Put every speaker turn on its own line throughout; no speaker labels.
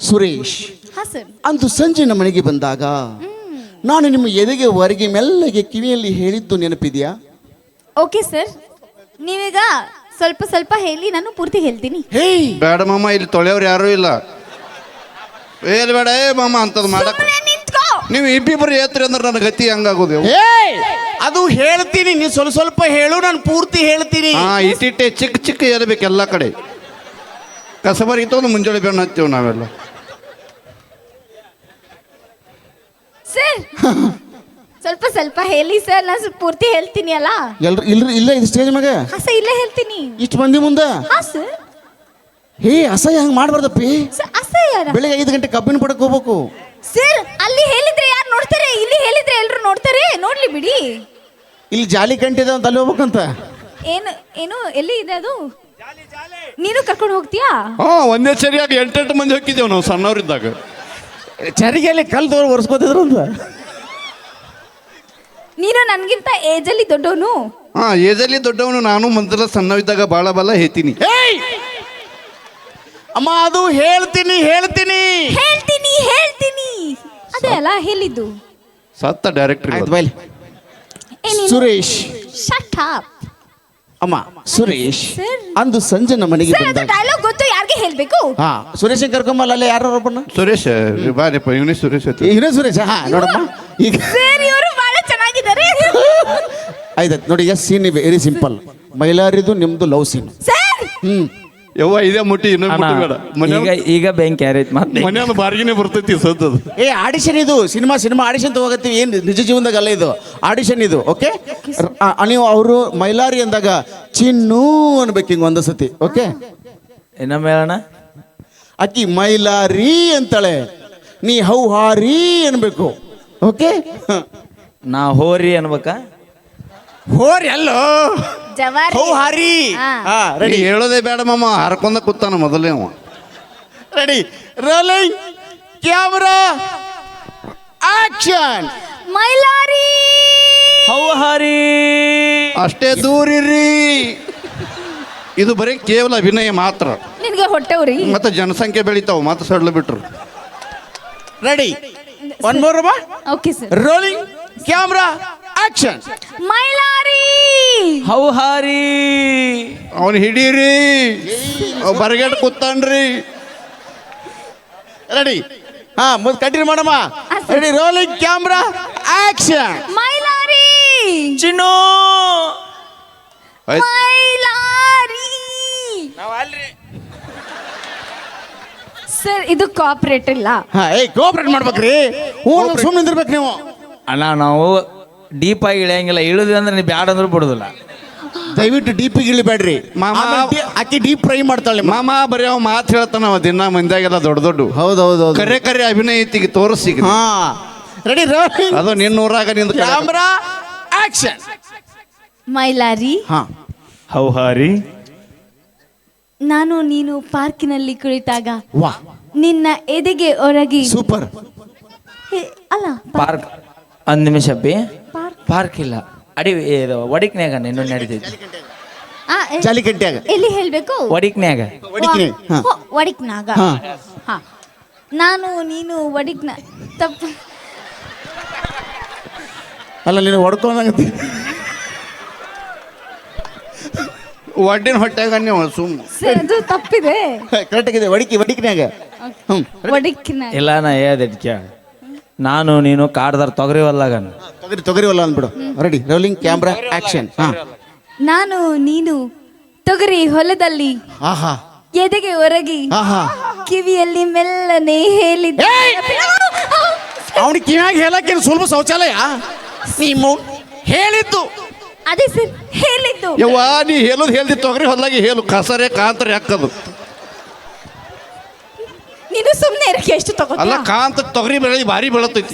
ಸುರೇಶ್,
ಹಾ ಸರ್.
ಅಂದು ಸಂಜೆ ನಮ್ಮ ಮನೆಗೆ ಬಂದಾಗ ನಾನು ನಿಮ್ಮ ಎದೆಗೆ ಹೊರಗೆ ಮೆಲ್ಲಗೆ ಕಿವಿಯಲ್ಲಿ ಹೇಳಿದ್ದು ನೆನಪಿದೆಯಾ?
ಓಕೆ ಸರ್, ನೀವೀಗ ಸ್ವಲ್ಪ ಸ್ವಲ್ಪ ಹೇಳಿ, ನಾನು ಪೂರ್ತಿ ಹೇಳ್ತೀನಿ.
ಹೇಯ್,
ಬೇಡ ಮಾಮ, ಇಲ್ಲಿ ತೊಳೆಯವ್ರು ಯಾರೂ ಇಲ್ಲ. ಏನ್ ಬೇಡ ಏ ಮಾಮ ಅಂತದ್ ಮಾಡಕ್
ಸುಮ್ನೆ ನಿಂತ್ಕೋ.
ನೀವು ಇಬ್ಬಿಬ್ರು ಏತ್ರಿ ಅಂದ್ರೆ ನನ್ನ ಗತಿ ಹಂಗಾಗೋದು.
ಹೇಯ್, ಅದು ಹೇಳ್ತೀನಿ, ನೀ ಸ್ವಲ್ಪ ಸ್ವಲ್ಪ ಹೇಳು, ನಾನು ಪೂರ್ತಿ ಹೇಳ್ತೀನಿ.
ಹಾ, ಇಟ್ಟಿಟ್ಟೆ ಚಿಕ್ಕ ಚಿಕ್ಕ ಏರ್ಬೇಕು ಎಲ್ಲ ಕಡೆ. ಕಸಬರಿಗೆ ಒಂದು ಮುಂಜಾನೆ ಬೆನ್ನು ಹತ್ತೀವಿ ನಾವೆಲ್ಲ.
ಸರ್ ಸ್ವಲ್ಪ ಸ್ವಲ್ಪ ಹೇಳಿ ಸರ್, ನಾನು ಪೂರ್ತಿ ಹೇಳ್ತೀನಿ ಅಲ್ಲ.
ಎಲ್ರು ಇಲ್ರಿ, ಇಲ್ಲ ಇದು ಸ್ಟೇಜ್ ಮ್ಯಾಗ
ಹಾ ಸರ್, ಇಲ್ಲೇ ಹೇಳ್ತೀನಿ.
ಇಷ್ಟು ಮಂದಿ ಮುಂದೆ
ಹಾ ಸರ್.
ಹೇ, ಅಸಹ್ಯ ಹಂಗೆ ಮಾಡ್ಬಾರ್ದಪ್ಪಿ.
ಸರ್ ಅಸಹ್ಯರ
ಬೆಳಿಗ್ಗೆ 5 ಗಂಟೆ ಕಬ್ಬಿನ ಪಡಕ್ ಹೋಗ್ಬೇಕು.
ಸರ್, ಅಲ್ಲಿ ಹೇಳಿದ್ರೆ ಯಾರು ನೋಡ್ತಾರೆ, ಇಲ್ಲಿ ಹೇಳಿದ್ರೆ ಎಲ್ಲರೂ ನೋಡ್ತಾರೆ, ನೋಡ್ಲಿ ಬಿಡಿ.
ಇಲ್ಲಿ ಜಾಲಿ ಕಂಟಿದೆ ಅಂತ ಅಲ್ಲಿ ಹೋಗ್ಬೇಕಂತ.
ಏನು ಏನು ಎಲ್ಲಿ ಇದೆ ಅದು? ನೀನು ಕರ್ಕೊಂಡು ಹೋಗ್ತೀಯಾ?
ಹಾ, ಒಂದೇ ಸರಿಯಾಗಿ 8 ಮಂದಿ ಹೋಗಿದ್ದೇವೆ ನಾವು ಸಣ್ಣವರಿದ್ದಾಗ.
ಚರಿಗೆಯಲ್ಲಿ ಕಲ್ ತೋರು ಒರೆಸ್ಕೋತಿದ್ರು ಅಂತ.
ನೀನು ನನ್ಗಿಂತ ಏಜಲ್ಲಿ ದೊಡ್ಡವನು.
ಹಾ, ಏಜಲ್ಲಿ ದೊಡ್ಡವನು ನಾನು, ಮೊದಲ ಸಣ್ಣವಿದ್ದಾಗ ಬಾಳ ಬಾಳ ಹೇಳ್ತೀನಿ.
ಅಮ್ಮ, ಅದು ಹೇಳ್ತೀನಿ ಹೇಳ್ತೀನಿ
ಹೇಳ್ತೀನಿ ಹೇಳ್ತೀನಿ ಅದೇ ಅಲ್ಲ ಹೇಳಿದ್ದು.
ಸತ್ತ ಡೈರೆಕ್ಟರ್.
ಆಯ್ತು ಬೈಲಿ. Suresh,
shut up.
ಅಮ್ಮ ಸುರೇಶ್,
Sir.
ಅಂದು ಸಂಜೆ ನಮ್ಮ ಮನೆಗೆ
ಸರ್, ಅದು
ಬಂದಾಗ
ಡೈಲಾಗ್ ಗೊತ್ತು, ಯಾರಿಗೆ ಹೇಳ್ಬೇಕು?
ಹಾ, ಸುರೇಶ್ ಕರ್ಕೊಂಬಲ್ಲ, ಅಲ್ಲೇ ಯಾರು ಒಬ್ಬನ
ಸುರೇಶ್ ಬಾರಿಪ್ಪ, ಇವನೇ ಸುರೇಶ್ ಐತಿ.
ಇವನೇ ಸುರೇಶ್. ಹಾ, ನೋಡಮ್ಮ ಈಗ
ಸರ್, ಇವರು ಬಹಳ ಚೆನ್ನಾಗಿದ್ದಾರೆ.
ಆಯ್ತು ನೋಡಿ. ಈಗ ಸೀನ್ ವೆರಿ ಸಿಂಪಲ್. ಮೈಲಾರಿದು ನಿಮ್ದು ಲವ್ ಸೀನ್.
ಸರ್,
ಯವ್ವ ಇದೇ ಮುಟ್ಟಿ ಇನ್ನೊಂದು ಮುಟ್ಟಿ ಬೇಡ.
ಈಗ ಬೆಂಕಿ ಯಾರೈತಿ ಮತ್ತೆ
ಮನೆಯಲ್ಲಿ ಬಾರಿಗೆನೆ ಬರ್ತೈತಿ ಸದ್ದದು.
ಏ, ಆಡಿಷನ್ ಇದು, ಸಿನಿಮಾ ಆಡಿಷನ್ ತಗೋಗತ್ತೀವಿ. ಏನು ನಿಜ ಜೀವನದಾಗ ಅಲ್ಲ, ಇದು ಆಡಿಷನ್ ಇದು. ಓಕೆ, ನೀವು ಅವರು ಮೈಲಾರಿ ಅಂದಾಗ ಚಿನ್ನು ಅನ್ಬೇಕು ಹಿಂಗೆ ಒಂದು ಸತಿ. ಓಕೆ,
ಇನ್ನೊಮ್ಮೆ ಹೇಳೋಣ.
ಅಕ್ಕಿ ಮೈಲಾರಿ ಅಂತಾಳೆ, ನೀ ಹೌಹಾರಿ ಅನ್ಬೇಕು. ಓಕೆ,
ನಾ ಹೋರಿ ಅನ್ಬೇಕಾ?
ಹೋರಿ ಅಲ್ಲೋ,
ಜವಾರಿ.
ಹೌಹಾರಿ.
ಹಾ.
ಹಾ,
ರೆಡಿ
ರೆಡಿ
ಹೇಳೋದೇ ಬೇಡ ಮಾಮ, ಹರ್ಕೊಂಡ ಕೂತಾನ ಮೊದಲೇ ಅವ.
Ready, rolling camera action.
Mailari.
ಹೌಹಾರಿ.
ಅಷ್ಟೇ ದೂರಿರ್ರಿ. ಇದು ಬರೀ ಕೇವಲ ಅಭಿನಯ ಮಾತ್ರ.
ನಿನಗೆ ಹೊಟ್ಟೆವ್ರಿ.
ಮತ್ತೆ ಜನಸಂಖ್ಯೆ ಬೆಳಿತಾವ, ಮತ್ತೆ ಸಡ್ಲು ಬಿಟ್ರು.
Ready, one more.
Okay sir.
Rolling camera action.
Mailari.
ಹೌಹಾರಿ.
ಅವನು ಹಿಡೀರಿ, ಬರಗೇಟ್ ಕೂತಾನ್ರಿ.
ರೆಡಿ, ಹಾ, ಮುಂದೆ ಕಂಟಿನ್ಯೂ ಮಾಡಮ್ಮ. Ready, rolling camera action.
Mailari.
ಚಿನ್ನು.
ಆಯ್ತು.
ಮೈಲಾರಿ. ಸರ್, ಇದು ಕೋಆಪರೇಟ್ ಇಲ್ಲ.
ಹಾ, ಕೋಆಪರೇಟ್ ಮಾಡ್ಬೇಕ್ರಿ. ಸುಮ್ಮನೆ ನಿಂದಿರ್ಬೇಕು ನೀವು.
ಅಣ್ಣ, ನಾವು ಡೀಪ್ ಆಗಿ ಇಳಿಯಂಗಿಲ್ಲ. ಇಳಿದ್ವಿ ಅಂದ್ರೆ ನೀವು ಬ್ಯಾಡ ಅಂದ್ರೆ ಬಿಡುದಿಲ್ಲ.
ದಯವಿಟ್ಟು ಡೀಪ್ ಇಳಿಬೇಡ್ರಿ.
ಮಾಮ,
ಆಕಿ ಡೀಪ್ ಫ್ರೈ ಮಾಡ್ತಾಳೆ.
ಮಾಮ ಬರೀ ಅವ ಮಾತು ಹೇಳ್ತಾನ, ಅವ ದಿನ ಮಂದಿಯಾಗೆಲ್ಲ ದೊಡ್ಡ ದೊಡ್ಡ.
ಹೌದೌದು.
ಕರೆ ಕರೆ ಅಭಿನಯ ಐತಿಗೆ ತೋರಿಸಿ.
ಹಾ, ರೆಡಿ, ರೋಲಿಂಗ್
ಅದು ನಿನ್ನೂರಾಗ ನಿಂದ
ಕ್ಯಾಮ್ರಾ ಆಕ್ಷನ್.
ಮೈಲಾರಿ,
ಹಾ,
ಹೌಹಾರಿ.
ನಾನು ನೀನು ಪಾರ್ಕಿನಲ್ಲಿ ಕುಳಿತಾಗ
ವಾ,
ನಿನ್ನ ಎದೆಗೆ ಒರಗಿ.
ಸೂಪರ್.
ಅಲ್ಲ,
ಪಾರ್ಕ್. ಒಂದ್ ನಿಮಿಷ ಬಿ.
ಪಾರ್ಕ್.
ಪಾರ್ಕ್ ಇಲ್ಲ, ಅಡಿವಿ ಇದು ಒಡಿಕ್ನ್ಯಾಗ ನಿನ್ನ ನಡೀತೈತಿ.
ಆ,
ಜಾಲಿಕಟ್ಟಿಯಾಗ
ಎಲ್ಲಿ ಹೇಳ್ಬೇಕು?
ಒಡಿಕ್ನ್ಯಾಗ.
ಒಡಿಕಿನಿ. ಹಾ,
ಒಡಿಕ್ನಾಗ.
ಹಾ.
ಹಾ, ನಾನು ನೀನು ಒಡಿಕ್ನ ತಪ್ಪ.
ಅಲ್ಲ, ನೀನು ಹೊಡ್ಕೊಂಡಂಗತಿ.
ಒಡ್ಡಿನ ಹೊಟ್ಟೆಗ ನೀವು ಸುಮ್ಮ.
ಸರ್, ಅದು ತಪ್ಪಿದೆ.
ಕರೆಕ್ಟ್ ಆಗಿದೆ. ಒಡಿಕಿನ್ಯಾಗ.
ಒಡಿಕ್ನ.
ಇಲ್ಲ, ನಾ ಹೇಳ್ದೆ. ನಾನು ನೀನು ಕಾಡ್ದಾರ ತೊಗರಿ ಹೊಲ್ಲಾಗ.
ತೊಗರಿವಲ್ಲ ಅಂದ್ಬಿಡು. Ready, rolling camera action. ಹಾ,
ನಾನು ನೀನು ತೊಗರಿ ಹೊಲದಲ್ಲಿ
ಆಹಾ,
ಎದೆಗೆ ಒರಗಿ
ಆಹಾ.
ಕಿವಿಯಲ್ಲಿ ಮೆಲ್ಲನೆ ಹೇಳಿದ್ದೆ.
ಅವನಿಗೆ ಕಿವ್ಯಾಗ ಹೇಳಕ್ಕೇನು ಸುಲಭ ಶೌಚಾಲಯ? ನೀವು ಹೇಳಿದ್ದು
ಅದೇ ಸರ್, ಹೇಳಿದ್ದು.
ಯವ್ವ, ನೀ ಹೇಳೋದು ಹೇಳ್ದಿ ತೊಗರಿ ಹೊಲ್ದಾಗಿ ಹೇಳು, ಕಸರೆ ಕಾಂತರೆ ಹಾಕದು.
ನೀನು ಸುಮ್ಮನೆ ಇರಕ್ಕೆ ಎಷ್ಟು
ಅಲ್ಲ,
ತಗೋತೀಯ?
ಕಾಂತ ತೊಗರಿ ಬೆಳೆ ಭಾರಿ ಬೆಳತೈತಿ.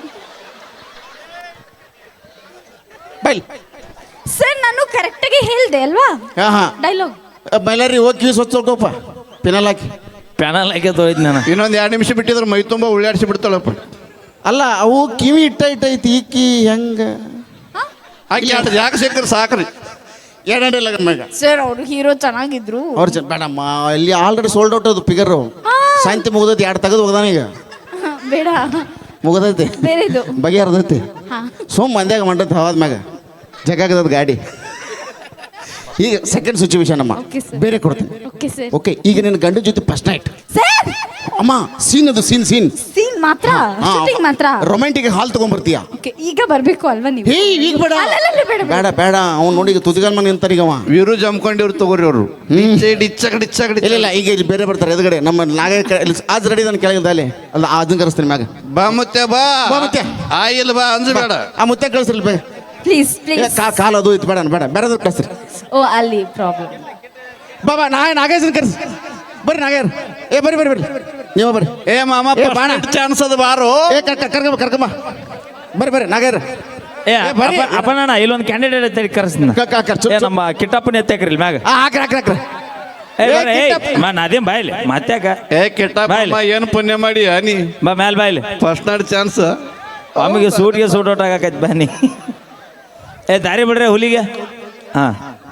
ಬೈಲ್.
ಸರ್, ನಾನು ಕರೆಕ್ಟಾಗಿ ಹೇಳ್ದೆ ಅಲ್ವಾ
ಹಾ, ಹಾ.
ಡೈಲಾಗ್?
ಮೈಲಾರಿ ಹೋಗಿ ಕಿವಿ ಸ್ವಚ್ಛಪ್ಪ, ಪಿನಲ್ ಹಾಕಿ.
ಪ್ಯಾನಲ್ ಹಾಕಿ ತೊಯ್ದು ನಾನು.
ಇನ್ನೊಂದು 2 ನಿಮಿಷ ಬಿಟ್ಟಿದ್ರೆ ಮೈ ತುಂಬ ಉಳ್ಳಾಡಿಸಿ ಬಿಡ್ತಾಳಪ್ಪ.
ಅಲ್ಲ, ಅವು ಕಿವಿ ಇಟ್ಟೈತಿ ಈಕಿ ಹೆಂಗ
ಆಕೆ ಯಾಕೆ ಸಿಕ್ಕರೆ ಸಾಕ್ರಿ.
ಎರಡನೇ ಲಗ್ನ ಮ್ಯಾಗ
ಸರ್ ಅವ್ರು ಹೀರೋ ಚೆನ್ನಾಗಿದ್ರು.
ಅವ್ರು ಬೇಡಮ್ಮ ಇಲ್ಲಿ ಆಲ್ರೆಡಿ ಸೋಲ್ಡ್ ಔಟ್ ಅದು ಫಿಗರ್ ಸಾಯಂತಿ ಮುಗ್ದೈತಿ 2 ತೆಗೆದು ಹೋಗದಾನ ಈಗ
ಬೇಡ,
ಮುಗದೈತಿ
ಬೇರೆದು.
ಬಗೆಹರ್ದೈತಿ
ಹಾ
ಸುಮ್ ಮಂದ್ಯಾಗ ಮಂಡತ್ ಹವಾದ ಮ್ಯಾಗ ಜಗಾಗದ ಗಾಡಿ. ಈಗ ಸೆಕೆಂಡ್ ಸಿಚುವೇಶನ್ ಅಮ್ಮ
Okay, sir.
ಬೇರೆ ಕೊಡ್ತೀನಿ.
Okay sir.
ಓಕೆ ಈಗ ನಿನ್ನ ಗಂಡ ಜೊತೆ ಫಸ್ಟ್ ನೈಟ್
ಸರ್
ಅಮ್ಮ ಸೀನ್ ಅದು ಸೀನ್
ಸೀನ್ ಮಾತ್ರ, ಶೂಟಿಂಗ್ ಮಾತ್ರ.
ರೊಮ್ಯಾಂಟಿಕ್ ಹಾಲ್ ತಗೊಂಡ್ಬರ್ತೀಯ.
ಓಕೆ ಈಗ ಬರ್ಬೇಕು ಅಲ್ವಾ ನೀವು?
ಹೇ ಈಗ ಬೇಡ
ಅಲ್ಲಲ್ಲ, ಬೇಡ, ಬೇಡ.
ಬೇಡ ಬೇಡ ಅವ್ನು ನೋಡಿ ತುದಿಗಾಲ್ ಮನೆ ಅಂತಾರೀಗ ಅವ.
ವೀರು ಜಮ್ಕೊಂಡಿವ್ರು ತಗೋರಿ ಅವರು ಡಿಚ್ಚ
ಇಲ್ಲ ಈಗ ಇಲ್ಲಿ ಬೇರೆ ಬರ್ತಾರೆ ಎದುರುಗಡೆ ನಮ್ಮ ನಾಗ ಆಜ್ ರೆಡಿ ನಾನು ಕೆಳಗಿದ್ದ ಅಲ್ಲಿ ಅಲ್ಲ ಅದನ್ನ ಕರೆಸ್ತೀನಿ ಮ್ಯಾಗ.
ಬಾ ಮುತ್ತೆ ಬಾ
ಬಾ ಮುತ್ತೆ.
ಆಯಿಲ್ ಬಾ ಅಂಜಬೇಡ.
ಆ ಮುತ್ತೆ ಕಳಿಸ್ರಿ ಬೇ
ಪ್ಲೀಸ್ ಪ್ಲೀಸ್.
ಕಾಲು ಅದು ಇತ್ತು ಬೇಡ ಬೇಡ ಬೇರೆದು ಕಳಿಸ್ರಿ.
ಓ ಅಲ್ಲಿ ಪ್ರಾಬ್ಲಮ್.
ಬಾಬಾ ನಾಗೇಶನ್ ಕರೆಸಿ ಬರ್ರಿ ನಾಗೇರ್. ಏ ಬರ್ರಿ ಬರ್ರಿ ಬರ್ರಿ ನೀವು ಬರ್ರಿ.
ಏ ಮಾಮ
ಏ, ಬಾಣ.
ಚಾನ್ಸ್ ಅದ ಬಾರೋ.
ಏ ಕರ್ಕಮ್ಮ ಬರ್ರಿ ಬರ್ರಿ ನಾಗೇರ್.
ಏ
ಬರ್ರಿ.
ಅಪ್ಪಣ್ಣ ಇಲ್ಲೊಂದು ಕ್ಯಾಂಡಿಡೇಟ್ ಐತೆ ಕರೆಸ್ತೀನಿ. ಏ ನಮ್ಮ ಕಿಟ್ಟಪ್ಪನ ಎತ್ತಾಕ್ರಿ ಮ್ಯಾಗ.
ಹಾಕ್ರಿ
ಏ
ಏ,
ಬರ್ರಿ,
ಕಿಟ್ಟಪ್ಪ.
ಅದೇನ್ ಬಾಯ್ಲಿ ಮತ್ತ್ಯಾಕ
ಏ ಕೆಟ್ಟ
ಬಾಯ್ಲಿ.
ಏನು ಪುಣ್ಯ ಮಾಡಿ ನೀ
ಬಾ ಮ್ಯಾಲ್ ಬಾಯ್ಲಿ.
First night chance.
ಆಮೇಲೆ ಸೂಟ್ ಔಟ್ ಆಗಕೈತಿ ಬನ್ನಿ. ಏ ದಾರಿ ಬಿಡ್ರಿ ಹುಲಿಗೆ. ಹಾ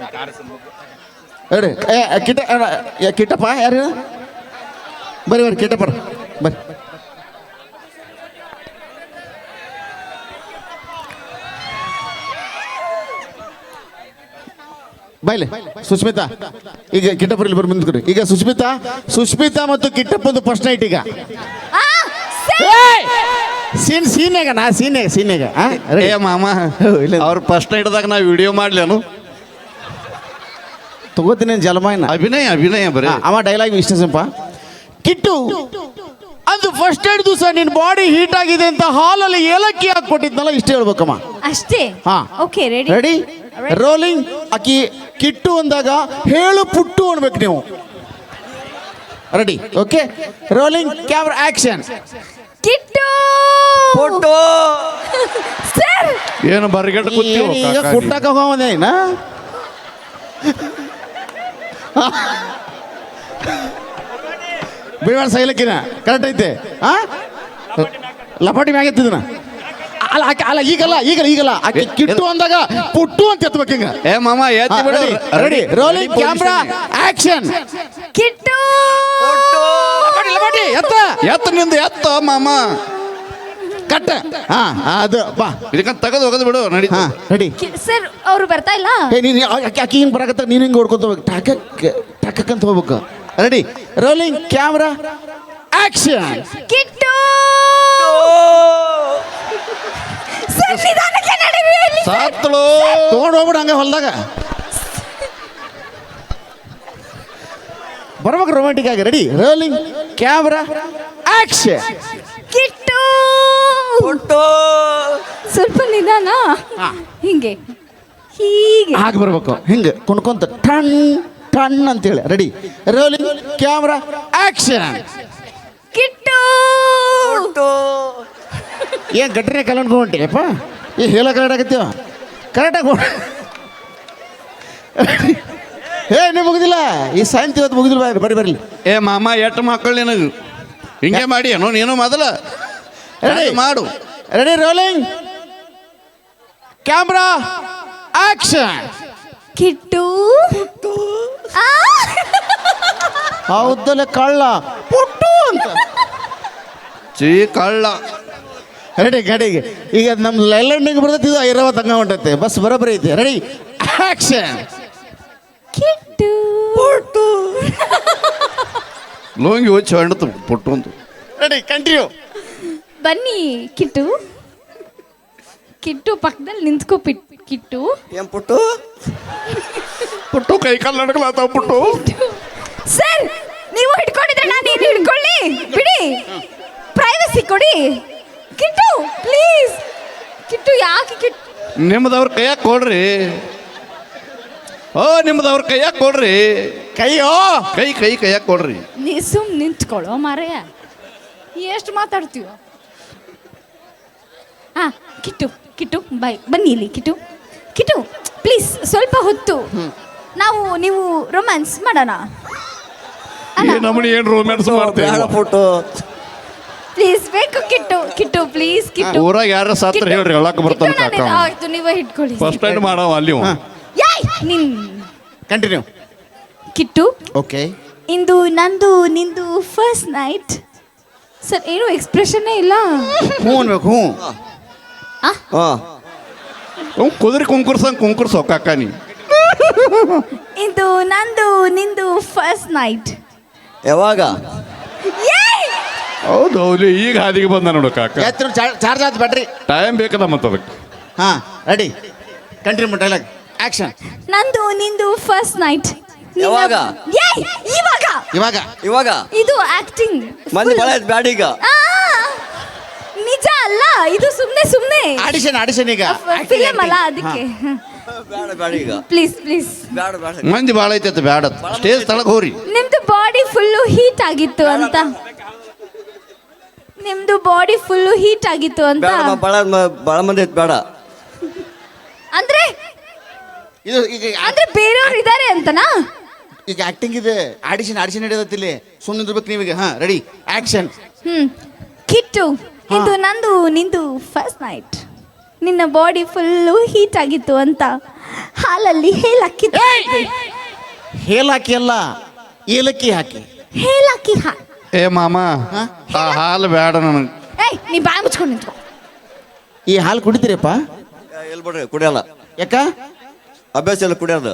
ಹೇಳಿ ಕಿಟ್ಟಪ್ಪ ಯಾರು ಬರ್ರಿ ಬರ್ರಿ ಕಿಟ್ಟಪ್ಪ ಬರ್ರಿ. ಬಾಯ್ಲೆ ಸುಸ್ಮಿತಾ ಈಗ ಕಿಟ್ಟಪ್ಪ ಇಲ್ಲಿ ಬರ್ರಿ ಮುಂದ್ಕೊಡಿ. ಈಗ ಸುಸ್ಮಿತಾ ಮತ್ತು ಕಿಟ್ಟಪ್ಪಂದು ಫಸ್ಟ್ ನೈಟ್ ಈಗ ಸೀನ್ಯಾಗ
ಏ ಮಾಮ ಅವ್ರ ಫಸ್ಟ್ ನೈಟ್ದಾಗ ನಾ ವಿಡಿಯೋ ಮಾಡ್ಲೇನು
ತಗೋತೀನಿ ಜಲಮಾಯನ.
ಅಭಿನಯ ಬರೀ
ಅವ ಡೈಲಾಗ್ ಇಷ್ಟ ಸಿಂಪ. ಕಿಟ್ಟು ಅದು ಫಸ್ಟ್ ಏಡ್ ದಿವಸ ನಿನ್ನ ಬಾಡಿ ಹೀಟ್ ಆಗಿದೆ ಅಂತ ಹಾಲಲ್ಲಿ ಏಲಕ್ಕಿ ಹಾಕಿ ಕೊಟ್ಟಿದ್ನಲ್ಲ ಇಷ್ಟ ಹೇಳ್ಬೇಕಮ್ಮ.
ಅಷ್ಟೇ.
ಹಾ
ಓಕೆ ರೆಡಿ
ರೆಡಿ ರೋಲಿಂಗ್. ಅಕ್ಕಿ ಕಿಟ್ಟು ಅಂದಾಗ ಹೇಳು ಪುಟ್ಟು ಅನ್ಬೇಕು ನೀವು. Ready okay rolling camera action.
Kittu
photo.
Sir
ಏನು ಬರ್ಗೆಟ್
ಈಗ ಕುಟ್ಟಕ್ಕೆ ಹೋಗೋದೇನ ಬಿಡಬೇಡ ಸೈಲಕ್ಕಿನ ಕರೆಕ್ಟ್ ಐತೆ. ಆ ಲಪಾಟಿ ಮ್ಯಾಗ ಎತ್ತಿದನ ಅಲ್ಲ ಈಗಲ್ಲ ಆಕೆ ಕಿಟ್ಟು ಅಂದಾಗ ಪುಟ್ಟು ಅಂತ ಎತ್ತಬೇಕು ಹಿಂಗ.
ಏ ಮಾಮ ಎತ್ತಿ ಬಿಡು.
Ready rolling camera action.
Kittu
ಲಪಾಟಿ
ಎತ್ತ ನಿಂದು ಎತ್ತ ಮಾಮ
ಕಟ್ಟ. ಹಾ ಅದು ಬಾ
ಇದಕ್ಕಂತ ತೆಗೆದು ಹೋಗೋದು ಬಿಡು ನಡಿ.
ಹಾ ರೆಡಿ.
ಸರ್ ಅವರು ಬರ್ತಾ ಇಲ್ಲ.
ಏ ನೀನು ಅಕ್ಕಿ ಹಿಂಗೆ ಬರಕತ್ತ ನೀನು ಹಿಂಗೆ ಹೊಡ್ಕೊಂತ ಹೋಗ್ಬೇಕು ಟಾಕಕ್ ಅಂತ ಹೋಗ್ಬೇಕು. Ready rolling camera action.
Kittu sir ನಿಧಾನಕ್ಕೆ ನಡೀರಿ ಅಲ್ಲಿ.
ಸಾತ್ಳು
ತೊಗೊಂಡು ಹೋಗ್ಬಿಡು ಹಂಗೆ ಹೊಲ್ದಾಗ ಬರ್ಬೇಕು ರೊಮ್ಯಾಂಟಿಕ್ ಆಗಿ. Ready rolling camera action.
Kittu ಸ್ವಲ್ಪ ನಿಧಾನ. ಹಿಂಗೆ ಹೀಗೆ
ಹಾಗೆ ಬರ್ಬೇಕು ಹಿಂಗೆ ಕುಣ್ಕೊಂತ ಟಣ್ ಅಂತೇಳಿ. Ready rolling camera action.
Kittu
ಏನ್ ಗಟ್ರೆ ಕಲ್ಕೊಂಡ್ಬಿಟ್ಟಿಯಪ್ಪ ಈ ಹೇಳ ಕರೆಕ್ಟ್ ಆಗತ್ತೀವ ಕರೆಕ್ಟಾಗಿ ಏ ನೀವು ಮುಗಿದಿಲ್ಲ ಈ ಸಾಯಂತಿ ಇವತ್ತು ಮುಗಿದಿಲ್ಲ ಬರ್ರಿ.
ಏ ಮಾಮ ಎಟ್ಟು ಮಕ್ಕಳು ನಿನಗೆ ಹಿಂಗೆ ಮಾಡಿ ಏನೋ ನೀನು ಮೊದಲ
ರೆಡಿ
ಮಾಡು.
Ready rolling camera action.
Kittu ಆ!
ಹೌದಲ್ಲ ಕಳ್ಳ ಪುಟ್ಟು ಅಂತ
ಕಳ್ಳ.
ರೆಡಿ ಗಾಡಿಗೆ ಈಗ ನಮ್ಮ ಲೈಲ್ಯಾಂಡಿಗೆ ಬರ್ತೈತಿ ಇದು ಐರಾವತ್ ಹಂಗ ಹೊಂಟೈತೆ ಬಸ್ ಬರೋಬ್ಬರಿ ಐತಿ. Ready action.
ಕಿಟ್ಟು
ಲೋಂಗಿ ಹೋಗಿ ಹೊಂಡತು ಪುಟ್ಟು ಅಂತ.
Ready continue.
ಬನ್ನಿ ಕಿಟ್ಟು. ಕಿಟ್ಟು ಪಕ್ಕದಲ್ಲಿ ನಿಂತ್ಕೋ ಕಿಟ್ಟು.
ಏನ್ ಪುಟ್ಟು
ಪುಟ್ಟು ಕೈ ಕಾಲು ನಡ್ಕಲಾತಾವ ಪುಟ್ಟು.
ಸರ್ ನೀವು ಹಿಡ್ಕೊಂಡಿದ್ರೆ ನಾನು ಏನು ಹಿಡ್ಕೊಳ್ಳಿ ಬಿಡಿ. ಪ್ರೈವಸಿ ಕೊಡಿ ಕಿಟ್ಟು ಪ್ಲೀಸ್. ಕಿಟ್ಟು ಯಾಕೆ ಕಿಟ್ಟು
ನಿಮ್ದವ್ರ ಕೈಯಾಗ ಕೊಡ್ರಿ. ನಿಮ್ದವ್ರ ಕೈಯಾಗ ಕೊಡ್ರಿ.
ಕೈಯೋ
ಕೈಯಾಗ ಕೊಡ್ರಿ.
ನೀ ಸುಮ್ ನಿಂತ್ಕೊಳ್ಳೋ ಮಾರಯ್ಯ ಎಷ್ಟು ಮಾತಾಡ್ತೀವ. ಹಾ ಕಿಟ್ಟು ಕಿಟ್ಟು ಬಾಯ್ ಬನ್ನಿ ಇಲ್ಲಿ ಕಿಟ್ಟು ಪ್ಲೀಸ್ ಸ್ವಲ್ಪ ಹೊತ್ತು ನೀವು ರೊಮ್ಯಾನ್ಸ್ ಮಾಡೋಣ.
ನಮ್ಮನಿ ಏನು ರೊಮ್ಯಾನ್ಸ್ ಮಾಡ್ತೇವೆ
ಫೋಟೋ
ಪ್ಲೀಸ್ ಬೇಕು ಕಿಟ್ಟು ಪ್ಲೀಸ್ ಕಿಟ್ಟು.
ಊರಾಗ ಯಾರ ಸಾತ್ರ ಹೇಳ್ರಿ ಹೇಳಕ್ ಬರ್ತಾನೆ ಕಾಕ.
ಆಯ್ತು ನೀವೇ ಹಿಡ್ಕೊಳ್ಳಿ.
ಫಸ್ಟ್ ಟೈಮ್ ಮಾಡವ ಅಲ್ಲಿ
ಯಾಯ್ ನಿನ್
ಕಂಟಿನ್ಯೂ.
ಕಿಟ್ಟು
ಓಕೆ.
ಇಂದು ನಂದು ನಿಂದು ಫಸ್ಟ್ ನೈಟ್. ಸರ್ ಏನು ಎಕ್ಸ್ಪ್ರೆಷನ್ನೇ ಇಲ್ಲ.
ಹ್ಞೂ ಅನ್ಬೇಕು. ಹ್ಞೂ.
ಹಾಂ ಕುದುರೆ ಕುಂಕುರ್ಸೋ ಕಾಕ ನೀ.
ಇಂದು ನಂದು ನಿಂದು ಫಸ್ಟ್ ನೈಟ್.
ಯಾವಾಗ?
ಹೌದು ಹೌದು, ಈಗ ಹಾದಿಗೆ ಬಂದ ನೋಡು ಕಾಕ.
ಎತ್ತರ ಚಾರ್ಜ್ ಆಯ್ತು ಬ್ಯಾಟ್ರಿ.
ಟೈಮ್ ಬೇಕಲ್ಲ ಮತ್ತೆ ಅದಕ್ಕೆ.
ಹಾಂ ರೆಡಿ, ಕಂಟಿನ್ಯೂ ಡೈಲಾಗ್ ಆಕ್ಷನ್.
ನಂದು ನಿಂದು ಫಸ್ಟ್ ನೈಟ್.
ಯಾವಾಗ?
ಇವಾಗ
ಇವಾಗ
ಇವಾಗ
ಇದು ಆಕ್ಟಿಂಗ್.
ಮಂದಿ ಬಳ ಆಯ್ತು ಬ್ಯಾಡ ಈಗ.
ನಿಜ ಅಲ್ಲ ಇದು, ಸುಮ್ನೆ
ಆಡಿಷನ್ ಈಗ
ಫಿಲಮ್ ಅಲ್ಲ ಅದಕ್ಕೆ.
ಬೇಡ ಈಗ.
ಪ್ಲೀಸ್
ಬೇಡ.
ಮಂದಿ ಭಾಳ ಐತೆ ಬ್ಯಾಡ, ಸ್ಟೇಜ್ ತಳಗ ಹೋರಿ.
ನಿಮ್ದು ಬಾಡಿ ಫುಲ್ಲು ಹೀಟ್ ಆಗಿತ್ತು ಅಂತ. ನಿಮ್ದು ಬಾಡಿ ಫುಲ್ಲು ಹೀಟ್ ಆಗಿತ್ತು ಅಂತ.
ಭಾಳ ಮಂದಿ ಐತೆ ಬೇಡ.
ಅಂದ್ರೆ
ಇದು ಈಗ
ಅಂದ್ರೆ ಬೇರೆಯವ್ರು ಇದಾರೆ ಅಂತನಾ?
ಈಗ ಆಕ್ಟಿಂಗ್ ಇದೆ, ಆಡಿಷನ್ ನಡೆಯೋದಿಲ್ಲಿ. ಸುಮ್ಮನೆ ಇರ್ಬೇಕು ನೀವೀಗ. ಹಾಂ ರೆಡಿ ಆಕ್ಷನ್.
ಕಿಟ್ಟು, ಇದು ನಂದು ನಿಂದು ಫಸ್ಟ್ ನೈಟ್. ನಿನ್ನ ಬಾಡಿ ಫುಲ್ಲು ಹೀಟ್ ಆಗಿತ್ತು ಅಂತ ಹಾಲಲ್ಲಿ ಹೇಲಕ್ಕಿ
ಹೇಲಾಕಿ ಅಲ್ಲ, ಏಲಕ್ಕಿ ಹಾಕಿ.
ಹೇಲಕ್ಕಿ
ಏ ಮಾಮ, ಆ ಹಾಲು ಬೇಡ ನನಗೆ.
ಏಯ್ ನೀ ಬಾಯಿ ಮುಚ್ಕೊಂಡು ನಿಂತ್ಕೊ.
ಈ ಹಾಲು ಕುಡಿತೀರಪ್ಪ?
ಎಲ್ಲಿ ಬಿಡ್ರಿ, ಕುಡಿಯಲ್ಲ.
ಯಾಕ?
ಅಭ್ಯಾಸ ಎಲ್ಲ ಕುಡಿಯೋದು.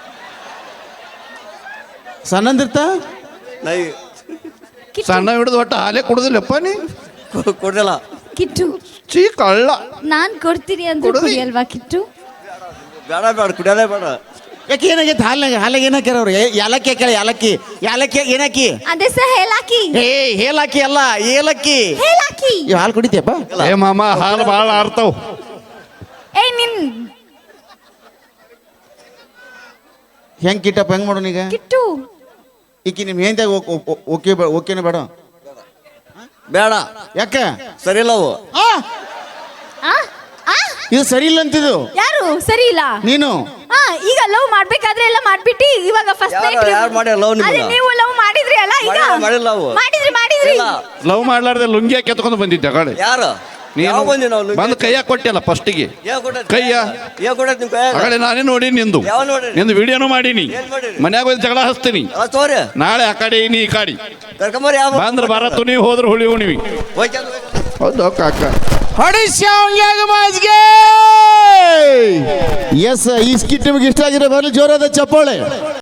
ಸಣ್ಣಂದಿರ್ತ
ನೈ
ಸಣ್ಣ ಹಿಡಿದು ಒಟ್ಟು ಹಾಲೇ ಕುಡುದಿಲ್ಲಪ್ಪ ನೀ.
ಕುಡಿಯಲ್ಲ.
ಕಿಟ್ಟು,
ಚೀ ಕಳ್ಳ.
ನಾನ್ ಕೊಡ್ತೀನಿ ಅಂದ್ರೆ ಕುಡಿಯಲ್ವಾ ಕಿಟ್ಟು?
ಬೇಡ ಕುಡಿಯೋದೇ ಬೇಡ.
ಯಾಕೆ ಏನಾಗೈತೆ ಹಾಲಾಗ ಏನ್ ಹಾಕ್ಯಾರ ಅವ್ರು? ಯಾಲಕ್ಕಿ ಹಾಕ್ಯಾರ. ಯಾಲಕ್ಕಿ ಏನಾಕಿ?
ಅದೇ ಸರ್ ಹೇಲಾಕಿ.
ಹೇಲಾಕಿ ಅಲ್ಲ, ಏಲಕ್ಕಿ.
ಹೇಲಾಕಿ.
ಈ ಹಾಲು ಕುಡಿತೀಯಪ್ಪ?
ಏ ಮಾಮ, ಹಾಲು ಭಾಳ ಆರ್ತಾವ್.
ಏಯ್ ನಿನ್
ಹೆಂಗ್ ಕಿಟ್ಟಪ್ಪ, ಹೆಂಗ್ ಮಾಡೋಣ ಈಗ?
ಕಿಟ್ಟು,
ಈಕಿ ನಿಮ್ ಹೆಂದಾಗ ಓಕೆನ ಬೇಡ?
ಬೇಡ.
ಯಾಕ?
ಸರಿ ಇಲ್ಲ ಅವು.
ಆ? ಆ?
ಇದು ಸರಿ ಇಲ್ಲ ಅಂತಿದ್ದು.
ಯಾರು ಸರಿ ಇಲ್ಲ?
ನೀನು.
ಈಗ ಲವ್ ಮಾಡ್ಬೇಕಾದ್ರೆ ಎಲ್ಲ ಮಾಡ್ಬಿಟ್ಟು ಇವಾಗ ಫಸ್ಟ್
ಯಾರು ಮಾಡ್ಯಾರ love ನಿಮ್ಗೆ?
ನೀವು ಲವ್ ಮಾಡಿದ್ರಿ ಅಲ್ಲ ಈಗ?
ಮಾಡಿಲ್ಲ love.
ಮಾಡಿದ್ರಿ.
ಇಲ್ಲ.
ಲವ್ ಮಾಡ್ಲಾರ್ದೆ ಲುಂಗಿ ಹಾಕಿ ಎತ್ಕೊಂಡು ಬಂದಿದ್ದೆ ಗಾಡಿ.
ಯಾರು? ಯಾವ ಬಂದಿ ನಾವು?
ಬಂದು ಕೈಯಾಗ ಕೊಟ್ಟಿಲ್ಲ ಫಸ್ಟಿಗೆ. ಕೈಯ
ಕೊಟ್ಟೈತಿ ನಿಮ್ ಕೈ?
ಆಗಲೇ ನಾನೇ ನೋಡಿ ನಿಂದು
ಯಾವ ನೋಡ್ರಿ?
ನಿಂದು ವಿಡಿಯೋನು ಮಾಡೀನಿ.
ಏನ್ ಮಾಡಿರಿ?
ಮನ್ಯಾಗ ಹೋಗಿ ಜಗಳ ಹಚ್ತೀನಿ.
ತೋರಿ
ನಾಳೆ ಆ ಕಡೆ ನೀ ಈ ಕಾಡಿ
ಕರ್ಕೊಂಬರಿ. ಯಾವ
ಬಂದ್ರೆ ಬರತ್ತು, ನೀವು ಹೋದ್ರೆ ಹುಳಿ ಉಣಿವಿ. ಹೌದು ಕಾಕ.
ಎಸ್, ಈ ಸ್ಕಿಟ್ ನಿಮಗೆ ಇಷ್ಟ ಆಗಿರೋ ಬರಲಿ ಜೋರಾದ ಚಪ್ಪಾಳೆ.